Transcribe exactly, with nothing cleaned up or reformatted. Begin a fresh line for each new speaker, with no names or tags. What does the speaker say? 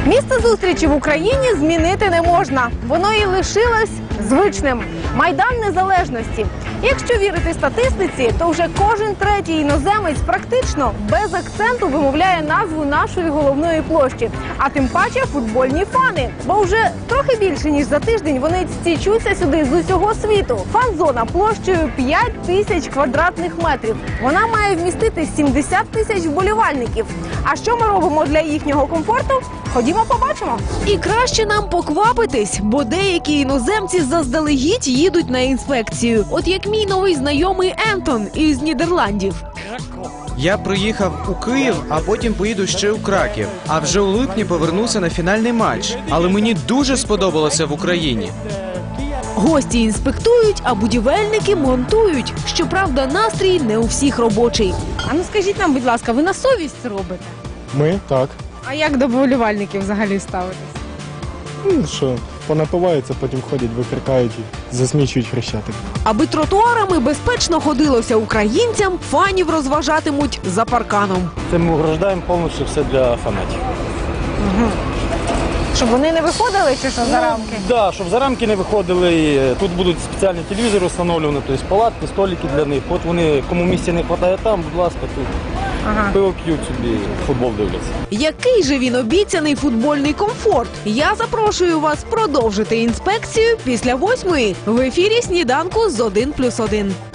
Місце зустрічі в Україні змінити не можна. Воно і лишилось звичним. Майдан Незалежності. Якщо вірити статистиці, то вже кожен третій іноземець практично без акценту вимовляє назву нашої головної площі. А тим паче футбольні фани. Бо вже трохи більше, ніж за тиждень вони стічуться сюди з усього світу. Фан-зона площею п'ять тисяч квадратних метрів. Вона має вмістити сімдесят тисяч вболівальників. А що ми робимо для їхнього комфорту? Ходімо побачимо. І краще нам поквапитись, бо деякі іноземці заздалегідь їдуть на інспекцію. От як мій новий знайомий Ентон із Нідерландів.
Я приїхав у Київ, а потім поїду ще у Краків. А вже у липні повернуся на фінальний матч. Але мені дуже сподобалося в Україні.
Гості інспектують, а будівельники монтують. Щоправда, настрій не у всіх робочий. А ну скажіть нам, будь ласка, ви на совість робите?
Ми так.
А як до вболівальників взагалі ставитесь?
Ну що, понапиваються, потім ходять, викрикають і засмічують Хрещатик.
Аби тротуарами безпечно ходилося українцям, фанів розважатимуть за парканом.
Це ми ограждаємо повністю все для фанатів.
Щоб вони не виходили чи що за рамки?
Так, да, щоб за рамки не виходили. Тут будуть спеціальні телевізори встановлені, тобто палатки, столики для них. От вони, кому місця не вистачає там, будь ласка, тут.
Ага.
Пиво п'ють собі, футбол дивляться.
Який же він обіцяний футбольний комфорт? Я запрошую вас продовжити інспекцію після восьмої в ефірі «Сніданку» з один плюс один.